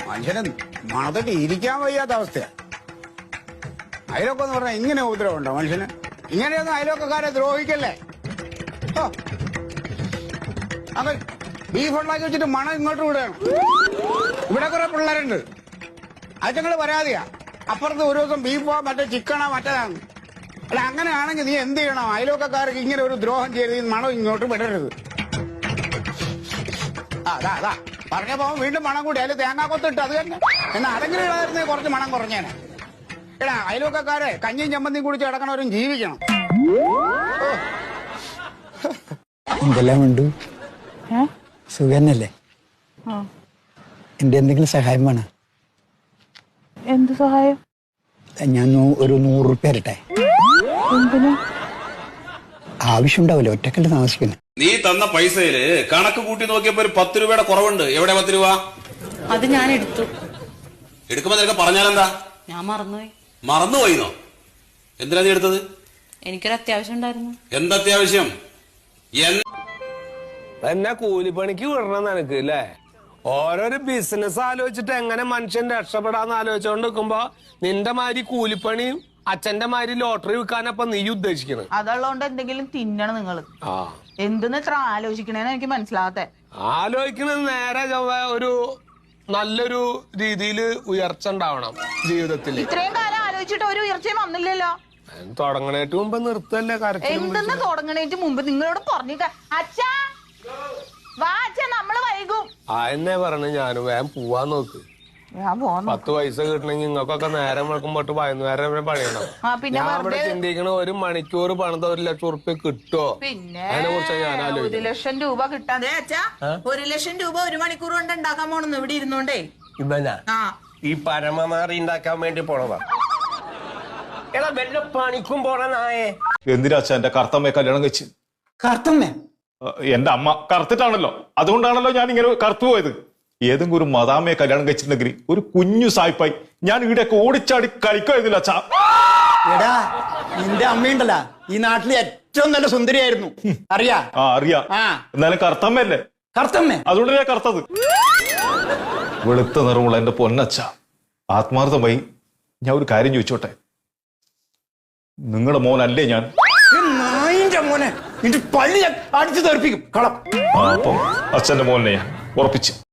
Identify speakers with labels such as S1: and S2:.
S1: മനുഷ്യനെ മണത്തിട്ട് ഇരിക്കാൻ വയ്യാത്ത അവസ്ഥയാ. അയലൊക്കെ എന്ന് പറഞ്ഞാൽ ഇങ്ങനെ ഉപദ്രവമുണ്ടോ മനുഷ്യന്? ഇങ്ങനെയൊന്നും അയലൊക്കെക്കാരെ ദ്രോഹിക്കല്ലേ. അങ്ങനെ ബീഫ് ഉണ്ടാക്കി വെച്ചിട്ട് മണം ഇങ്ങോട്ട് വിടുകയാണ്. ഇവിടെ കുറെ പിള്ളേരുണ്ട്, അച്ഛങ്ങള് പരാതിയാ. അപ്പുറത്ത് ഒരു ദിവസം ബീഫോ മറ്റേ ചിക്കണോ മറ്റേതാണ്. അല്ല, അങ്ങനെയാണെങ്കിൽ നീ എന്ത് ചെയ്യണം? അയലൊക്കെക്കാർക്ക് ഇങ്ങനെ ഒരു ദ്രോഹം ചെയ്ത് ഈ മണം ഇങ്ങോട്ട് വിടരുത്. അതാ പറഞ്ഞപ്പോ വീണ്ടും മണം കൂടി. അതിൽ തേങ്ങാക്കൊത്തിട്ട് അത് തന്നെ. എന്നാ അതെങ്കിലും ഇടായിരുന്നേ കുറച്ച് മണം കുറഞ്ഞേനെ. എടാ, അയലൊക്കെക്കാരെ കഞ്ഞിയും ചമ്മന്തിയും കുടിച്ച് കിടക്കണവരും ജീവിക്കണം.
S2: എന്തെല്ലാം ഉണ്ട്? സുഖന്നല്ലേ? എന്റെ എന്തെങ്കിലും സഹായം വേണം?
S3: എന്ത് സഹായം?
S2: ഞാൻ ഒരു 100 റുപ്യ തരട്ടെ.
S3: എന്തിനാ?
S2: ആവശ്യമുണ്ടാവില്ല, ഒറ്റക്കല്ല താമസിക്കുന്നു.
S4: നീ തന്ന പൈസയില് കണക്ക് കൂട്ടി നോക്കിയപ്പോ ഒരു 10 രൂപയുടെ കുറവുണ്ട്. എവിടെ 10 രൂപ?
S5: അത് ഞാൻ എടുത്തു.
S4: എടുക്കുമ്പോ നിനക്ക് പറഞ്ഞാലെന്താ?
S5: ഞാൻ മറന്നുപോയി.
S4: മറന്നുപോയിന്നോ? എന്തിനാ നീ എടുത്തത്?
S5: എനിക്കൊരു അത്യാവശ്യം ഉണ്ടായിരുന്നു.
S4: എന്തത്യാവശ്യം?
S6: എന്നെ കൂലിപ്പണിക്ക് വിടണം നിനക്ക് അല്ലേ? ഓരോരോ ബിസിനസ് ആലോചിച്ചിട്ട് എങ്ങനെ മനുഷ്യൻ രക്ഷപ്പെടാന്ന് ആലോചിച്ചോണ്ട് നിൽക്കുമ്പോ നിന്റെ മാതിരി കൂലിപ്പണിയും അച്ഛന്റെ മാതിരി ലോട്ടറി വിൽക്കാനപ്പൊ നീ ഉദ്ദേശിക്കണ.
S3: അതുള്ളതുകൊണ്ട് എന്തെങ്കിലും തിന്നണം നിങ്ങള്. എന്തെന്ന് ഇത്ര ആലോചിക്കണേന്ന് എനിക്ക് മനസ്സിലാകത്തെ.
S6: ആലോചിക്കണത് നേരെ ഒരു നല്ലൊരു രീതിയിൽ ഉയർച്ച ഉണ്ടാവണം ജീവിതത്തില്.
S3: ഇത്രയും കാലം ആലോചിച്ചിട്ട് ഒരു ഉയർച്ചയും വന്നില്ലല്ലോ.
S6: തുടങ്ങണേറ്റ് മുമ്പ് നിർത്തല്ലേ കരച്ചിൽ?
S3: എന്തെന്ന് തുടങ്ങണേറ്റ് മുമ്പ് നിങ്ങളോട് പറഞ്ഞിട്ട് അച്ഛാ വാ അച്ഛാ, നമ്മള് വൈകും.
S6: എന്നെ പറഞ്ഞു ഞാനും വേഗം പോവാൻ നോക്ക്. 10 പൈസ കിട്ടണമെങ്കിൽ നിങ്ങൾക്കൊക്കെ നേരം വെക്കുമ്പോട്ട് വൈകുന്നേരം വരെ പണിയണം. ഞാൻ ഇവിടെ ചിന്തിക്കണ 1 മണിക്കൂർ പണിത 1 ലക്ഷം റുപ്യ കിട്ടുമോ?
S3: പിന്നെ
S6: അതിനെ കുറിച്ച് ഞാൻ
S3: 1 ലക്ഷം രൂപ കിട്ടാതെ അച്ഛാ, 1 ലക്ഷം രൂപ 1 മണിക്കൂർ കൊണ്ട് ഉണ്ടാക്കാൻ പോണെന്ന് ഇവിടെ ഇരുന്നോണ്ടേ.
S7: ഈ പരമമാറി ഉണ്ടാക്കാൻ വേണ്ടി പോണതാ. എടാ വല്ല പണിക്കും പോണ നായേ.
S8: എന്തിനാ അച്ഛാ എന്റെ കറുത്തമ്മയെ കല്യാണം കഴിച്ച്?
S2: കറുത്തമ്മേ?
S8: എന്റെ അമ്മ കറുത്തിട്ടാണല്ലോ, അതുകൊണ്ടാണല്ലോ ഞാൻ ഇങ്ങനെ കറുത്തു പോയത്. ഏതെങ്കിലും ഒരു മദാമ്മയെ കല്യാണം കഴിച്ചിട്ടുണ്ടെങ്കിൽ ഒരു കുഞ്ഞു സായിപ്പായി ഞാൻ ഇവിടെയൊക്കെ ഓടിച്ചാടി കളിക്കുമായിരുന്നില്ല അച്ഛാ.
S2: എടാ, നിന്റെ അമ്മയുണ്ടല്ലോ ഈ നാട്ടിലെ ഏറ്റവും നല്ല സുന്ദരിയായിരുന്നു, അറിയാ?
S8: അറിയാ. എന്നാലും കറുത്തമ്മയല്ലേ?
S2: കറുത്തമ്മേ?
S8: അതുകൊണ്ട് ഞാൻ കറുത്തത്. വെളുത്ത നിറമുള്ള എന്റെ പൊന്നച്ഛ, ആത്മാർത്ഥമായി ഞാൻ ഒരു കാര്യം ചോദിച്ചോട്ടെ. നിങ്ങളുടെ മോനല്ലേ ഞാൻ?
S2: നായിന്റെ മോനെ, നിന്റെ പള്ളി അടിച്ചു തെറിപ്പിക്കും കളം.
S8: അപ്പം അച്ഛന്റെ മോനെ ഞാൻ ഉറപ്പിച്ചു.